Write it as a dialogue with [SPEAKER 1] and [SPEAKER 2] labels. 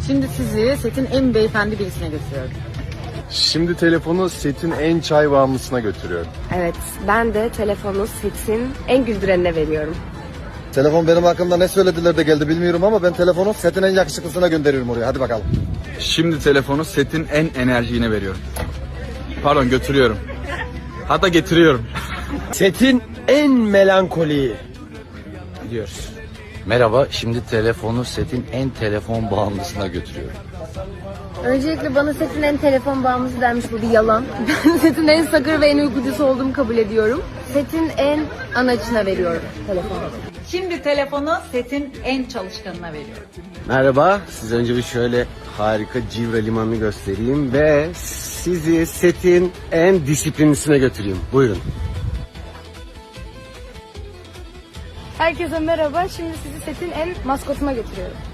[SPEAKER 1] Şimdi sizi setin en beyefendi birisine götürüyorum.
[SPEAKER 2] Şimdi telefonu setin en çay bağımlısına götürüyorum.
[SPEAKER 3] Evet, ben de telefonu setin en güldürenine veriyorum.
[SPEAKER 4] Telefon benim hakkımda ne söylediler de geldi bilmiyorum ama ben telefonu setin en yakışıklısına gönderiyorum oraya. Hadi bakalım.
[SPEAKER 5] Şimdi telefonu setin en enerjiğine veriyorum. Pardon, götürüyorum. Hatta getiriyorum.
[SPEAKER 6] Setin en melankoliyi.
[SPEAKER 5] Gidiyoruz.
[SPEAKER 7] Merhaba, şimdi telefonu setin en telefon bağımlısına götürüyorum.
[SPEAKER 3] Öncelikle bana setin en telefon bağımlısı denmiş, bu bir yalan. Ben setin en sakır ve en uykucusu olduğumu kabul ediyorum. Setin en anacına veriyorum telefonu.
[SPEAKER 1] Şimdi telefonu setin en çalışkanına veriyorum.
[SPEAKER 6] Merhaba, size önce bir şöyle harika Civre Limanı'nı göstereyim ve sizi setin en disiplinlisine götüreyim. Buyurun.
[SPEAKER 3] Herkese merhaba, şimdi sizi setin en maskotuna götürüyorum.